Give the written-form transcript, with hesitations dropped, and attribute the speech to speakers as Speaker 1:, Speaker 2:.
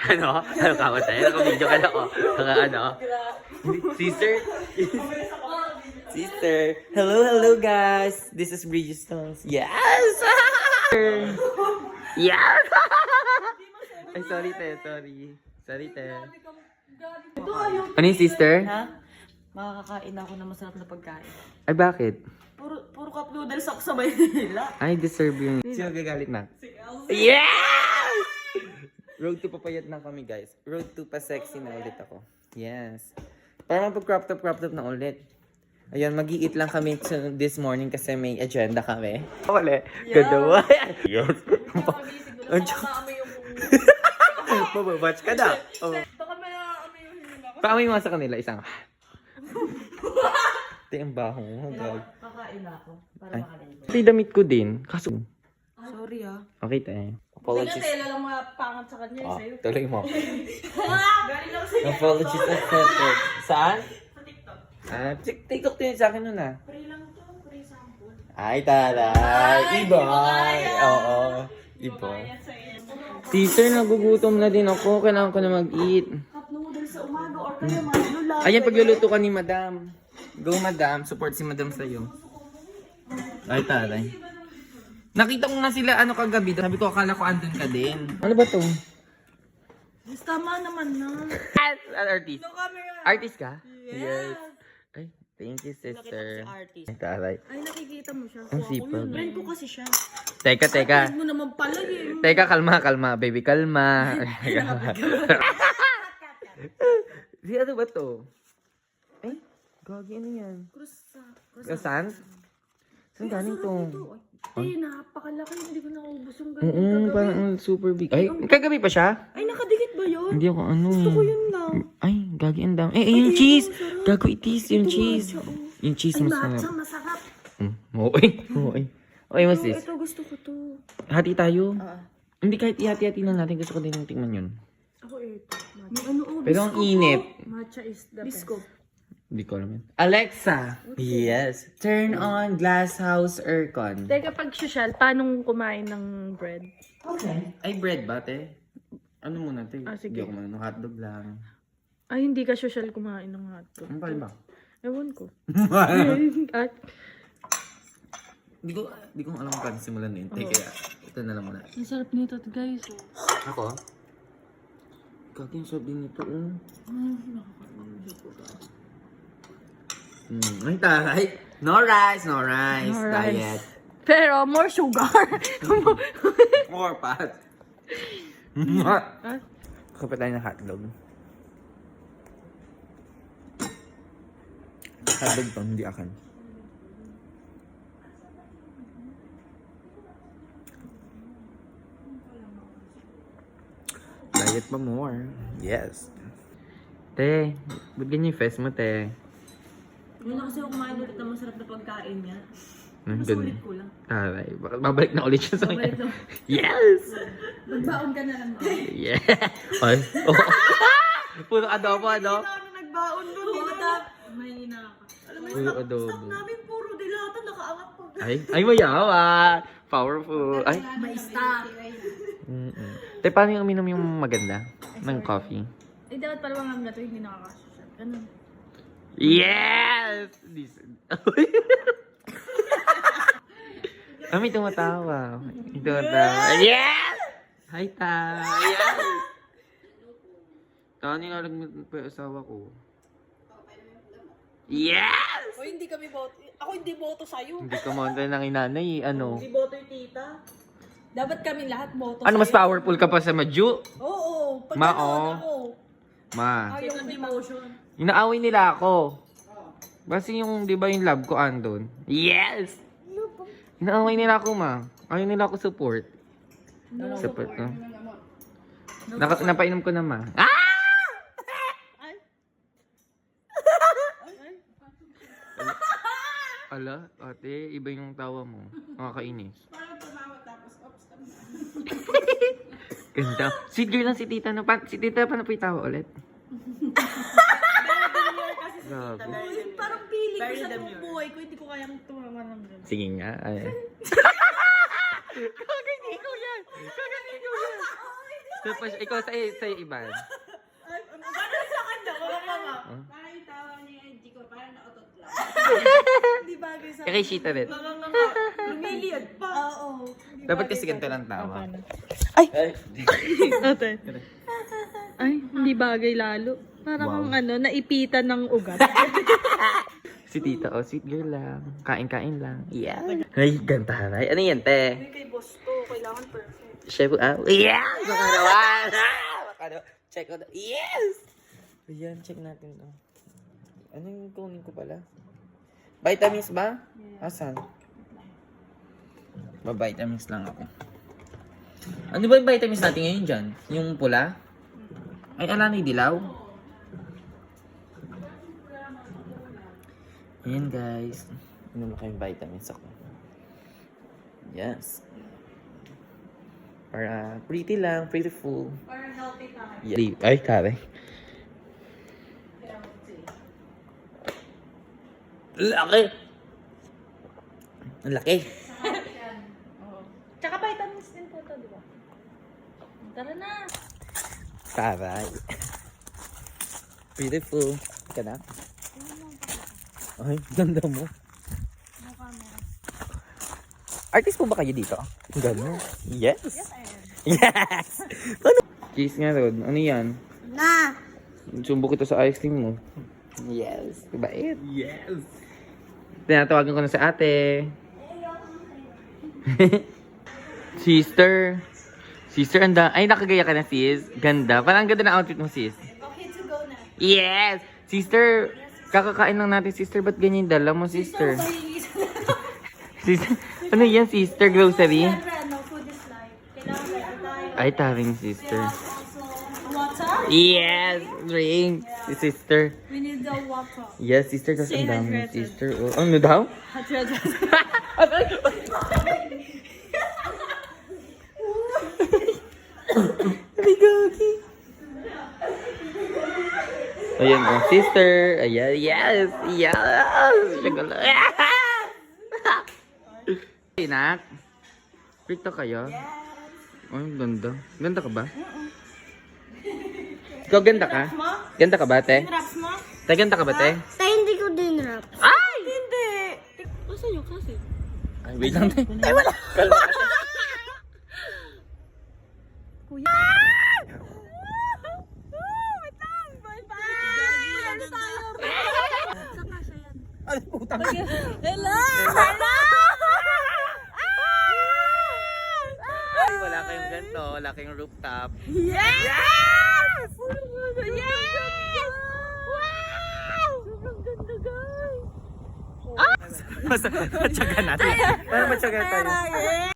Speaker 1: Ano? Ano ka matay? Naka-video ka na ako. Ano? Sister? Sister. Hello guys. This is Bridgestones. Yes! Yes! Ay, sorry te. Sorry te. Ano yung sister?
Speaker 2: Ha? Makakakain ako ng masarap na pagkain.
Speaker 1: Ay, bakit?
Speaker 2: Puro cup noodles ako sa Maynila.
Speaker 1: Ay, deserve yun. Sino gagalit na? Yes! Road to papayat na kami, guys. Road to pa-sexy na ulit ako. Yes. Para mapag-crop top na ulit. Ayun, mag-i-eat lang kami this morning kasi may agenda kami. Wala. Gadawa. Yes. Mababatch ka na.
Speaker 2: Baka may amoy yung hininga ko.
Speaker 1: Paamoy mo sa kanila, isang. Ito yung baho mo.
Speaker 2: Kakain ako para makalimutan.
Speaker 1: Ito yung damit ko din. Kaso.
Speaker 2: Sorry ah.
Speaker 1: Okay tayo.
Speaker 2: Kanya
Speaker 1: Apologies.
Speaker 2: tela lang mga pangat sa kanya
Speaker 1: Oh,
Speaker 2: sa'yo.
Speaker 1: tuloy mo.
Speaker 2: Galing ako sa'yo.
Speaker 1: Apologies accepted. Saan?
Speaker 2: Sa TikTok.
Speaker 1: TikTok din sa akin nun ah.
Speaker 2: Free lang to. Free sample.
Speaker 1: Ay, taray! Iboy! Oo. Iboy.
Speaker 2: Kaya sa'yo.
Speaker 1: Sister, nagugutom na din ako. Kailangan ko na mag-eat.
Speaker 2: Cup noodles sa umaga or kaya manlula.
Speaker 1: Ayan, pagluluto ka ni Madam. Go, Madam. Support si Madam sa'yo. Ay, taray. Nakita ko nga sila kagabi. Sabi ko, akala ko andun ka din. Ano ba to?
Speaker 2: Tama naman na.
Speaker 1: Artist.
Speaker 2: No camera.
Speaker 1: Artist ka? Yes. Ay, thank you,
Speaker 2: Nakita ko
Speaker 1: sister.
Speaker 2: si artist.
Speaker 1: Ay, taray.
Speaker 2: Ay, nakikita mo siya.
Speaker 1: Ang sipag.
Speaker 2: Friend ko kasi siya.
Speaker 1: Teka.
Speaker 2: Friend mo naman pala eh.
Speaker 1: Teka, kalma. Baby, kalma. Di ano ba to? Ay, gagi ano yan? Saan? Saan galing to?
Speaker 2: Ay, napakalaki. Hindi ko naubos yung
Speaker 1: Oo,
Speaker 2: ganyan.
Speaker 1: parang super big. Ay, kagabi pa siya?
Speaker 2: Ay, nakadikit ba yun?
Speaker 1: Hindi ako ano.
Speaker 2: Gusto ko yun lang.
Speaker 1: Ay, gagi ang dami. Eh, yung cheese! Gago itis, yung cheese.
Speaker 2: matcha, oh.
Speaker 1: Yung cheese
Speaker 2: Ay,
Speaker 1: masarap.
Speaker 2: matcha, masarap.
Speaker 1: Okay. Okay, mas sis.
Speaker 2: Ito, gusto ko to.
Speaker 1: Hati tayo.
Speaker 2: Ah.
Speaker 1: Hindi, kahit ihati-hati lang natin. Gusto ko din yung tingnan yun.
Speaker 2: Ako ito. May ano, oh,
Speaker 1: Pero ang
Speaker 2: bisco
Speaker 1: init.
Speaker 2: po. Matcha is the
Speaker 3: Bisco.
Speaker 2: best.
Speaker 1: Hindi ko alam yun. Alexa! Yes. Turn on glass house aircon.
Speaker 3: Teka, pag social, paano kumain ng bread?
Speaker 1: Okay. Ay, bread ba, te? Ano muna, te?
Speaker 3: Ah, sige.
Speaker 1: Hindi ako manong hotdog lang.
Speaker 3: Ay, hindi ka social kumain ng hotdog.
Speaker 1: Ano ba?
Speaker 3: Ewan ko. At,
Speaker 1: Hindi ko alam kung paano simulan yun. Te, kaya ito na lang muna.
Speaker 3: ang sarap nito, guys.
Speaker 1: Ako? Kaki yung sarap din nito, oh. Ay, taray. No rice.
Speaker 3: No rice.
Speaker 1: Diet.
Speaker 3: Pero, more sugar.
Speaker 1: More fat. Kapit tayo ng hotdog. Hotdog to, hindi akin. Diet pa more. Yes. Te, ba't ganyan yung face mo, te?
Speaker 2: Yun na kasi ako kumain ulit ng masarap na pagkain niya.
Speaker 1: Nandun.
Speaker 2: Masulit ko lang.
Speaker 1: Taray. Babalik na ulit siya sa
Speaker 2: Babalik
Speaker 1: kanya.
Speaker 2: na.
Speaker 1: Yes!
Speaker 2: Magbaon ka na lang.
Speaker 1: Yeah! Ay. Oh. Puro adobo, ano?
Speaker 2: Ano nagbaon doon? May inaka. Alam mo
Speaker 1: Puro
Speaker 2: yung
Speaker 1: adobo.
Speaker 2: stock namin puro dilata, nakaangat pa.
Speaker 1: Ay, mayawa. Powerful. Ay.
Speaker 2: May stock.
Speaker 1: Te, paano yung uminom yung maganda? Ng coffee?
Speaker 3: Ay, dapat pala mga to, hindi nakakasocial. Ganun.
Speaker 1: Yes! May tumatawa. May tumatawa. Yes! Hi, ta. Yes! Tani nga lang pa yung asawa ko. Yes!
Speaker 2: O hindi kami boto. Ako hindi boto sa'yo.
Speaker 1: Hindi ka monta ng inanay, ano?
Speaker 2: Hindi boto yung tita. Dapat kami lahat boto
Speaker 1: Ano, mas
Speaker 2: sa'yo.
Speaker 1: powerful ka pa sa Maju?
Speaker 2: Oo. Pag
Speaker 1: Ma,
Speaker 2: nanood
Speaker 1: oh.
Speaker 2: ako.
Speaker 1: Ma.
Speaker 2: Ayaw ng demotion.
Speaker 1: Inaaway nila ako. Basta yung, di ba yung love ko andun? Yes! Inaaway nila ako, ma. Ayaw nila ako support. Support ko. Napainom ko na, ma. Ah! Ala, ate, iba yung tawa mo. Nakakainis.
Speaker 2: Parang tumawa tapos ops ka na.
Speaker 1: Ganda. Sweet girl lang si tita. Si tita pa na po yung tawa ulit. Grabe.
Speaker 2: Parang feeling ko sa buong buhay ko, hindi ko kayang tumawa ng gano'n.
Speaker 1: Sige nga. Ay. Kagani ko yan! Kagani ko yan! Tapos, ikaw sa'yo iba.
Speaker 2: Ano sa kanya? Wala pa nga.
Speaker 4: Parang yung tawa niya yung IG ko, parang nautot lang.
Speaker 2: Hindi bagay sa
Speaker 1: Kay Shita rin.
Speaker 2: lumiliyad pa. Oo.
Speaker 1: Dapat kasi ganito lang tawa.
Speaker 3: Ate. Ay, hindi bagay lalo. Parang naipitan ng ugat.
Speaker 1: Si tita, sweet girl lang. Kain-kain lang. Yeah. Ay, ganda haray. Ano yan, te?
Speaker 2: Kay boss to, kailangan perfect.
Speaker 1: Chef, yeah! Makarawan! Check out. Yes! Ayan, check natin to. Ano yung kunin ko pala? Vitamins ba? Asan? Vitamins lang ako. Ano ba yung vitamins natin ngayon dyan? Yung pula? Ay, ala na yung dilaw? Ayan guys. Inom ko yung vitamins ako. Yes. Para pretty lang, prettiful.
Speaker 2: Para healthy tayo.
Speaker 1: Yeah. Ay, kare. Laki! Ang laki!
Speaker 3: Tsaka vitamins din po to, di ba? Tara na.
Speaker 1: Taray. Beautiful. Ka na? Ay, ganda mo. Artist po ba kayo dito? Ganda. Yes. Yes! Ano? Cheese nga Rod. Ano yan?
Speaker 2: Na!
Speaker 1: Sumbo kita sa ice cream mo. Yes. Bait. Yes. Tinatawagan ko na sa ate. Sister. Sister, anda. Ay, nakagaya ka na, sis. Ganda. Parang ganda na outfit mo, sis.
Speaker 2: Okay to go na.
Speaker 1: Yes! Sister, kakakain lang natin, sister. Ba't ganyan yung dala mo, sister? Sister, ano yan, sister? Grocery?
Speaker 2: Ano, food is life. Kailangan tayo.
Speaker 1: Ay, taring sister.
Speaker 2: Water?
Speaker 1: Yes! Drink! Si sister.
Speaker 2: We need the water.
Speaker 1: Yes, sister. Tapos
Speaker 2: Stay
Speaker 1: ang dami,
Speaker 2: hydrated.
Speaker 1: sister. Oh, ano daw? Ayan, sister. Ayan, yes. Yes. Siguro. Inak. Picto kayo? Yes. Ay, ganda. Ganda ka ba? Ikaw ganda ka? Ganda ka ba, te?
Speaker 2: Raps mo?
Speaker 1: Te, ganda ka ba, te?
Speaker 2: Tayo hindi ko din raps.
Speaker 1: Ay!
Speaker 2: Hindi!
Speaker 3: Asa yung kasi?
Speaker 1: Ay, wait lang, te. Ay, wala. Kalma ka, te.
Speaker 3: Kuya.
Speaker 1: Ay, putang.
Speaker 3: Hello!
Speaker 1: Ay, wala kayong ganito. Wala kayong rooftop.
Speaker 3: Yes! Yes! Wow! Sobrang ganda, guys.
Speaker 1: Matyaga natin. Para matyaga tayo.